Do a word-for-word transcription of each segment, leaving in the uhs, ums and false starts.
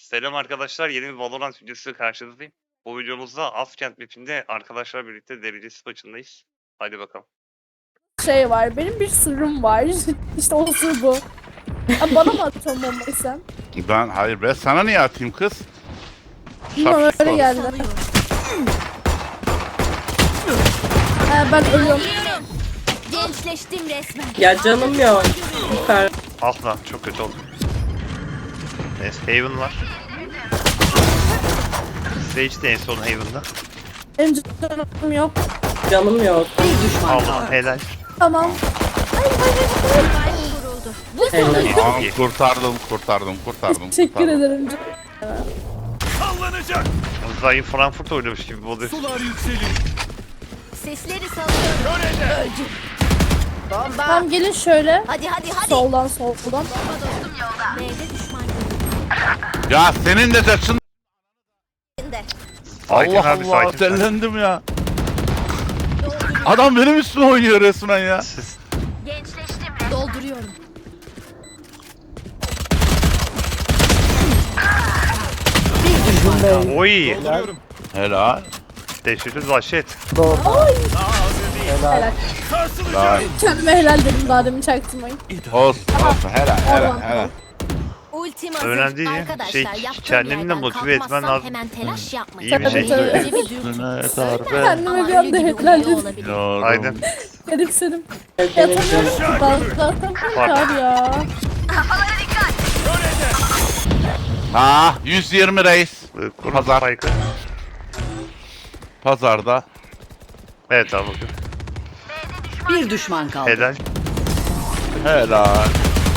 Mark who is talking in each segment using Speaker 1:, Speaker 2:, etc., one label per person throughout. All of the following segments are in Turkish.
Speaker 1: Selam arkadaşlar, yeni bir Valorant videosu karşınızdayım. Bu videomuzda Askent map'inde arkadaşlar birlikte derecesi maçındayız. Hadi bakalım.
Speaker 2: Şey var, benim bir sırrım var. İşte o sır bu. Abi bana mı atıyorsun bombayı sen?
Speaker 3: Ben hayır ben sana niye atayım kız?
Speaker 2: Bilmem
Speaker 3: Şapşik
Speaker 2: öyle
Speaker 3: var.
Speaker 2: geldi. Ee, ben ölüyorum.
Speaker 4: Gençleştim resmen.
Speaker 5: Ya canım yok. Süper.
Speaker 1: Ah lan, çok kötü oldu. Neyse, Haven var. Sage de en son Haven'da.
Speaker 2: Benim canım yok.
Speaker 5: Canım yok.
Speaker 1: Allah helal.
Speaker 2: Tamam.
Speaker 5: Helal.
Speaker 1: İyi,
Speaker 3: Aa,
Speaker 1: çok iyi.
Speaker 3: kurtardım kurtardım kurtardım.
Speaker 2: Teşekkür
Speaker 3: kurtardım.
Speaker 2: ederim.
Speaker 1: Zayıf Frankfurt oynamış gibi oluyor.
Speaker 4: Sesleri salıyorum. Öldüm. Bomba.
Speaker 2: Tamam gelin şöyle.
Speaker 4: Hadi hadi hadi.
Speaker 2: Soldan soldan.
Speaker 4: Bomba dostum yolda. B'de düşman
Speaker 3: Ya senin de saçın.
Speaker 4: görüldü.
Speaker 1: Sakin
Speaker 3: Allah
Speaker 1: abi,
Speaker 3: Allah
Speaker 1: sakin.
Speaker 3: dellendim ya. Adam benim üstüme oynuyor resmen ya.
Speaker 1: Siz
Speaker 4: Gençleştim resmen. Dolduruyorum.
Speaker 1: oy.
Speaker 3: Helal.
Speaker 1: Teşekkür vahşet.
Speaker 2: Helal.
Speaker 3: Helal.
Speaker 2: Kendime helal dedim daha demin çaktırmayın.
Speaker 3: Olsun olsun helal helal helal.
Speaker 4: Ultim hazır.
Speaker 1: Önemli değil ya.
Speaker 4: Arkadaşlar,
Speaker 1: Şey,
Speaker 4: yaptığım
Speaker 1: kendini de
Speaker 4: yerden
Speaker 1: motive etmen
Speaker 4: kalkmazsam
Speaker 1: lazım.
Speaker 4: Hemen telaş yapmayın.
Speaker 1: İyi bir şey.
Speaker 2: Tabii, tabii.
Speaker 4: Önce bir dürtün.
Speaker 3: Üstüne darbe.
Speaker 2: Kendime bir
Speaker 4: Ama
Speaker 2: anda
Speaker 4: ölü gibi
Speaker 2: helal
Speaker 4: uyuyor
Speaker 2: dedim.
Speaker 4: olabilir.
Speaker 3: Yorum.
Speaker 1: Aydın.
Speaker 2: Garipsedim.
Speaker 5: Benim
Speaker 2: Yatamıyorum
Speaker 5: canım.
Speaker 2: ki ben zaten kurtar ya.
Speaker 3: Ha yüz yirmi reis.
Speaker 1: Kurun
Speaker 3: Pazar.
Speaker 1: Spike'ı.
Speaker 3: Pazarda.
Speaker 1: Evet abi bakın.
Speaker 6: Bir düşman kaldı.
Speaker 1: Helal.
Speaker 3: Helal.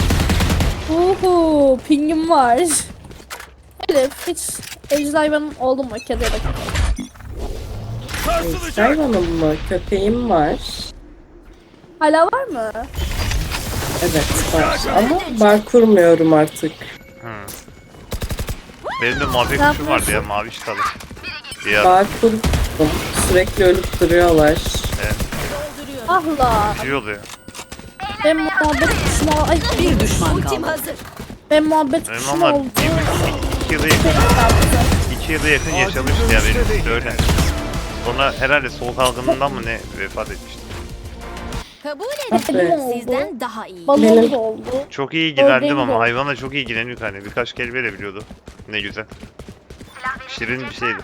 Speaker 2: Uhu, pingim var. Elif hiç evcil hayvanın oldu mu? Kedi ya da köpek.
Speaker 5: Hayvanım mı? Köpeğim var.
Speaker 2: Hala var mı?
Speaker 5: Evet var. Ama bar kurmuyorum artık.
Speaker 1: Benim de mavi
Speaker 2: Ne
Speaker 1: kuşum vardı ya, mavi çıtalı. Ya
Speaker 5: Bar kurdum. Sürekli ölüp duruyorlar.
Speaker 2: Ah la.
Speaker 1: iyi oluyor.
Speaker 2: Ben muhabbet kuşum ol... Ay,
Speaker 6: Bir düşman
Speaker 4: Ultim
Speaker 6: kaldı.
Speaker 4: hazır.
Speaker 2: ben muhabbet
Speaker 1: Benim
Speaker 2: kuşum
Speaker 1: ama
Speaker 2: oldu.
Speaker 1: iki yıla yakın, iki yıla yakın yaşamıştı ya benim işte öyle. Sonra herhalde soğuk algınlığından mı ne vefat etmişti.
Speaker 4: Kabul
Speaker 2: Benim
Speaker 4: ederim.
Speaker 2: oldu.
Speaker 4: Sizden daha iyi.
Speaker 2: Balon
Speaker 5: Benim-
Speaker 2: da oldu.
Speaker 1: Çok iyi ilgilendim
Speaker 2: Ördeğim de
Speaker 1: ama
Speaker 2: oldu.
Speaker 1: hayvana çok iyi ilgileniyor hani, birkaç kelime de biliyordu. Ne güzel. Şirin bir şeydi.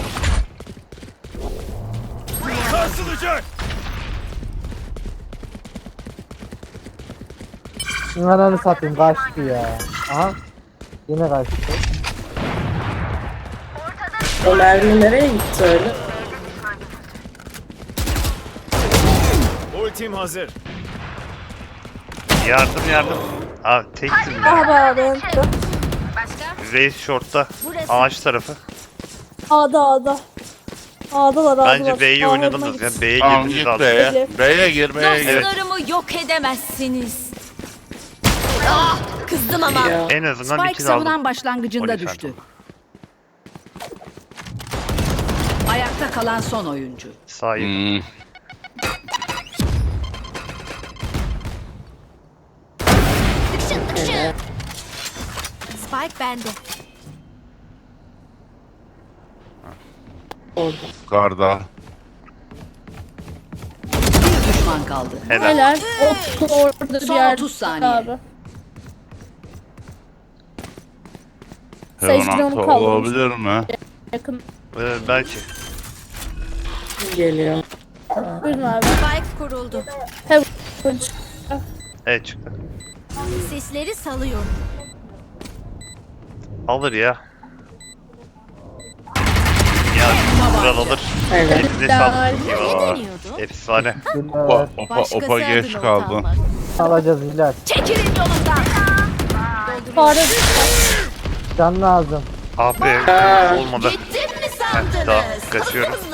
Speaker 7: Ananı satayım kaçtı ya. Aha. Yine kaçtı.
Speaker 5: O mermi nereye gitti öyle?
Speaker 8: Ultim hazır.
Speaker 1: Yardım yardım. Aa tektim
Speaker 2: Ah
Speaker 1: ya.
Speaker 2: be ben.
Speaker 1: Reis shortta.
Speaker 4: Burası.
Speaker 1: Ağaç tarafı.
Speaker 2: A'da A'da. A'dalar A'dalar.
Speaker 1: Bence B'yi
Speaker 2: A'larına
Speaker 1: oynadınız
Speaker 2: git.
Speaker 1: ya. B'ye
Speaker 3: Tamam
Speaker 1: girdiniz
Speaker 3: git
Speaker 1: abi.
Speaker 3: B'ye.
Speaker 2: Elif.
Speaker 3: B'ye gir B'ye gir.
Speaker 1: Evet.
Speaker 4: Dostlarımı yok edemezsiniz. Ah, kızdım ama.
Speaker 5: Ya.
Speaker 1: En azından
Speaker 6: Spike
Speaker 1: iki aldım.
Speaker 6: savunan başlangıcında
Speaker 1: Polis
Speaker 6: düştü. Ayakta kalan son oyuncu.
Speaker 1: Sahip.
Speaker 3: Hmm.
Speaker 4: Işın ışın. Spike bende.
Speaker 5: Orada.
Speaker 3: Karda.
Speaker 6: Bir düşman kaldı.
Speaker 1: Helal.
Speaker 2: Helal. Ot orada bir
Speaker 6: Son
Speaker 2: yer.
Speaker 6: otuz saniye.
Speaker 2: Abi. Sage
Speaker 3: Hemen
Speaker 2: onu kaldırmış.
Speaker 3: olabilir mi?
Speaker 2: Yakın.
Speaker 1: Ee, belki.
Speaker 5: Geliyor.
Speaker 2: Buyurun abi.
Speaker 4: Spike kuruldu.
Speaker 2: Heaven.
Speaker 1: Evet çıktı.
Speaker 4: Sesleri salıyorum.
Speaker 1: Alır ya. Ya kral alır.
Speaker 5: Evet.
Speaker 1: Elinize sağlık.
Speaker 4: Ne
Speaker 1: Eyvallah.
Speaker 4: deniyordun?
Speaker 1: Efsane.
Speaker 3: Opa, opa,
Speaker 4: Başkası
Speaker 3: opa geç
Speaker 4: adına
Speaker 3: kaldı.
Speaker 4: utanmak.
Speaker 7: Alacağız ilaç.
Speaker 4: Çekilin yolumdan.
Speaker 2: Fare.
Speaker 7: Can lazım.
Speaker 1: Ah be,
Speaker 5: Aa.
Speaker 1: olmadı.
Speaker 4: Gittim mi
Speaker 1: Heh,
Speaker 4: sandınız?
Speaker 1: daha kaçıyorum.
Speaker 4: Hızlı.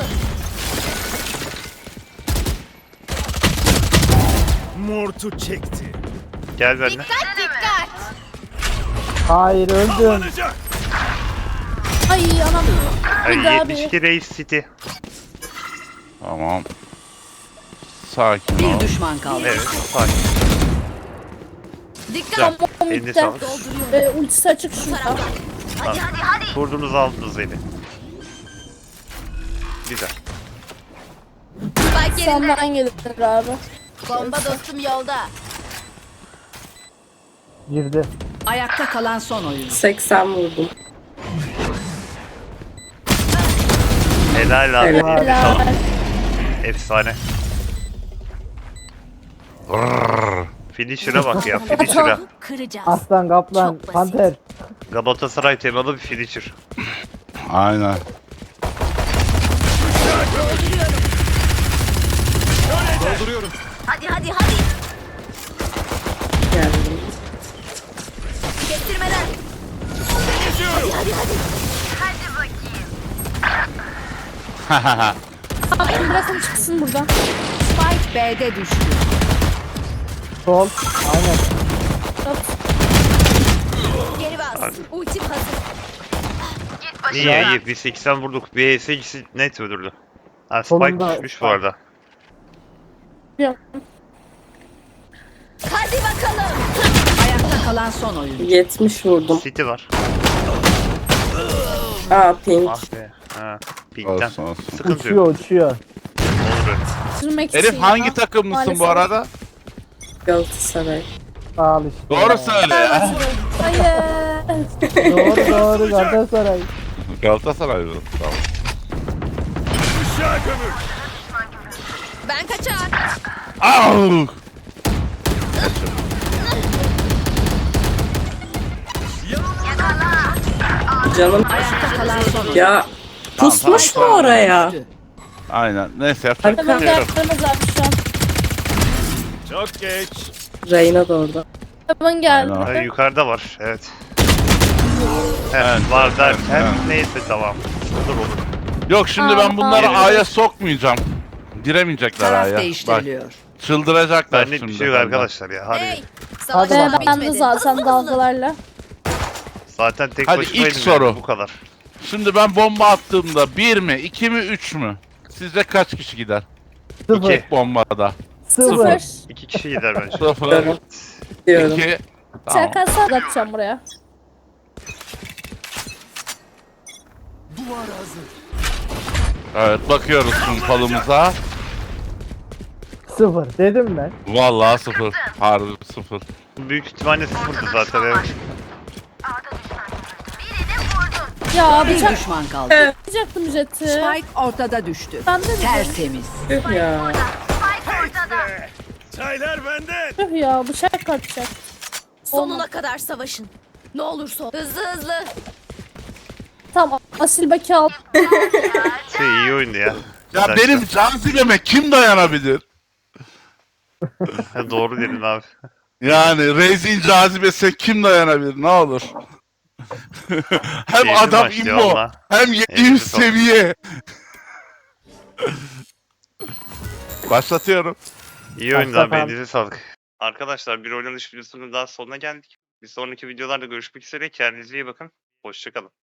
Speaker 8: Mortu çekti.
Speaker 1: Gel benimle.
Speaker 4: Dikkat dikkat.
Speaker 7: Hayır öldüm.
Speaker 8: Alınacak.
Speaker 2: Ay anam.
Speaker 1: Ay,
Speaker 2: Bir daha
Speaker 1: yetmiş iki
Speaker 2: bir.
Speaker 1: Reis City.
Speaker 3: Tamam. Sakin
Speaker 6: Bir
Speaker 3: ol.
Speaker 6: düşman kaldı.
Speaker 1: Evet, sakin.
Speaker 4: Dikkat.
Speaker 2: Tamam
Speaker 1: Eline
Speaker 2: bitti.
Speaker 1: sağlık.
Speaker 2: Ee, ultisi açık şurada.
Speaker 4: Hadi hadi hadi.
Speaker 1: Kurduğunuzu aldınız eli. Güzel.
Speaker 4: Spike yerinde.
Speaker 2: Senden gelir abi.
Speaker 4: Bomba dostum yolda.
Speaker 7: Girdi.
Speaker 6: Ayakta kalan son oyuncu.
Speaker 5: seksen vurdum.
Speaker 1: Helal abi.
Speaker 5: Helal.
Speaker 1: eline sağlık.
Speaker 2: Helal.
Speaker 1: Efsane. Finisher'a bak ya. Finisher'a.
Speaker 4: Kıracağız.
Speaker 7: Aslan, kaplan,
Speaker 4: Çok basit.
Speaker 7: panter.
Speaker 1: Galatasaray temalı bir finisher.
Speaker 3: Aynen.
Speaker 8: Dolduruyorum.
Speaker 4: Hadi hadi hadi.
Speaker 5: Geldim.
Speaker 4: Kestirmeden. Hadi hadi hadi.
Speaker 2: Abi bırakın çıksın buradan.
Speaker 6: Spike B'de düştü.
Speaker 7: Sol. Aynen.
Speaker 4: Geri bas. Ultim hazır.
Speaker 1: İyi iyi. Biz seksen vurduk. B S ikisi net öldürdü. Ha, Spike
Speaker 7: Solunda-
Speaker 1: düşmüş bu arada.
Speaker 2: Ya,
Speaker 4: Hadi bakalım.
Speaker 6: Ayakta kalan son oyuncu.
Speaker 5: yetmiş vurdum.
Speaker 1: City var.
Speaker 5: Aa pink.
Speaker 1: Ah be. Ha, Pink'ten.
Speaker 3: Olsun olsun.
Speaker 1: Sıkıntı yok.
Speaker 7: Uçuyor uçuyor.
Speaker 1: Olur.
Speaker 2: sürmek
Speaker 3: Elif
Speaker 2: için
Speaker 3: hangi
Speaker 2: ya.
Speaker 3: takımlısın
Speaker 2: Maalesef.
Speaker 3: bu arada?
Speaker 5: Galatasaray.
Speaker 7: Sağ ol işte.
Speaker 3: Doğru söyle ya.
Speaker 2: Hayır.
Speaker 7: Doğru doğru Galatasaray.
Speaker 3: Galatasaray mı? Tamam.
Speaker 8: Işığa gömül.
Speaker 4: Ben kaçar.
Speaker 3: Au!
Speaker 5: Canım
Speaker 6: Ayakta kalan son oyuncu.
Speaker 5: ya pusmuş mu
Speaker 3: tamam.
Speaker 5: oraya?
Speaker 6: Düştü.
Speaker 3: Aynen. Neyse yapacak bir
Speaker 2: Hemen
Speaker 3: şey yok.
Speaker 2: gelmez abi şu an.
Speaker 8: Çok geç.
Speaker 5: Reyna da orada.
Speaker 2: Hemen geldi.
Speaker 3: Aynen.
Speaker 1: Ha, yukarıda var. Evet. Heh,
Speaker 3: Evet,
Speaker 1: var
Speaker 3: evet,
Speaker 1: derken
Speaker 3: evet.
Speaker 1: neyse tamam. Olur olur.
Speaker 3: Yok şimdi ben bunları
Speaker 1: Aa.
Speaker 3: A'ya sokmayacağım. Giremeyecekler
Speaker 6: Taraf
Speaker 3: A'ya. Bak
Speaker 6: değiştiriliyor.
Speaker 3: çıldıracaklar
Speaker 1: Benlik
Speaker 3: şimdi.
Speaker 1: bir şey yok
Speaker 3: benden.
Speaker 1: arkadaşlar ya. Hadi.
Speaker 4: Hey.
Speaker 7: Hadi
Speaker 4: Savaş
Speaker 7: bakalım.
Speaker 2: Ee, ben de
Speaker 4: bitmedi.
Speaker 2: zaten
Speaker 4: Hızlı hızlı.
Speaker 2: dalgalarla.
Speaker 1: Zaten tek
Speaker 3: Hadi
Speaker 1: başımaydım
Speaker 3: ilk
Speaker 1: yani,
Speaker 3: soru.
Speaker 1: bu kadar.
Speaker 3: Şimdi ben bomba attığımda bir mi, iki mi, üç mü? Sizce kaç kişi gider?
Speaker 7: Sıfır.
Speaker 3: İki bombada.
Speaker 2: Sıfır.
Speaker 1: İki kişi gider bence.
Speaker 3: Sıfır,
Speaker 5: Diyorum. Diyorum.
Speaker 3: iki. Tamam.
Speaker 2: Şakası atacağım buraya.
Speaker 8: Duvar hazır.
Speaker 3: Evet bakıyoruz şimdi falımıza.
Speaker 7: Sıfır. Dedim ben.
Speaker 3: Vallahi sıfır. Harbi sıfır.
Speaker 1: Büyük ihtimalle sıfırdı zaten evet.
Speaker 2: Ya
Speaker 6: Bir
Speaker 2: bıçak
Speaker 6: düşman kaldı.
Speaker 2: atacaktım jeti.
Speaker 6: Spike ortada düştü.
Speaker 2: Ben de dedim.
Speaker 6: Tertemiz.
Speaker 5: Tüh ya.
Speaker 8: Çaylar benden.
Speaker 2: Tüh ya bıçak atacak.
Speaker 4: Sonuna kadar savaşın. Ne olursa. Hızlı hızlı.
Speaker 2: Tamam asil baki al.
Speaker 1: Şey iyi oyundu ya.
Speaker 3: Ya
Speaker 1: Güzel.
Speaker 3: benim cazibeme kim dayanabilir?
Speaker 1: Ha, doğru dedin abi.
Speaker 3: Yani Reis'in cazibesine kim dayanabilir? Ne olur. Hem
Speaker 1: Keyifli
Speaker 3: adam
Speaker 1: maçtı
Speaker 3: immo,
Speaker 1: valla.
Speaker 3: hem yedi
Speaker 1: Elinize
Speaker 3: yüz
Speaker 1: sağlık.
Speaker 3: seviye. Başlatıyorum.
Speaker 1: İyi oyundu
Speaker 7: Başla
Speaker 1: abi.
Speaker 7: tamam.
Speaker 1: Elinize sağlık. Arkadaşlar bir oynanış videosunun daha sonuna geldik. Bir sonraki videolarda görüşmek üzere. Kendinize iyi bakın. Hoşçakalın.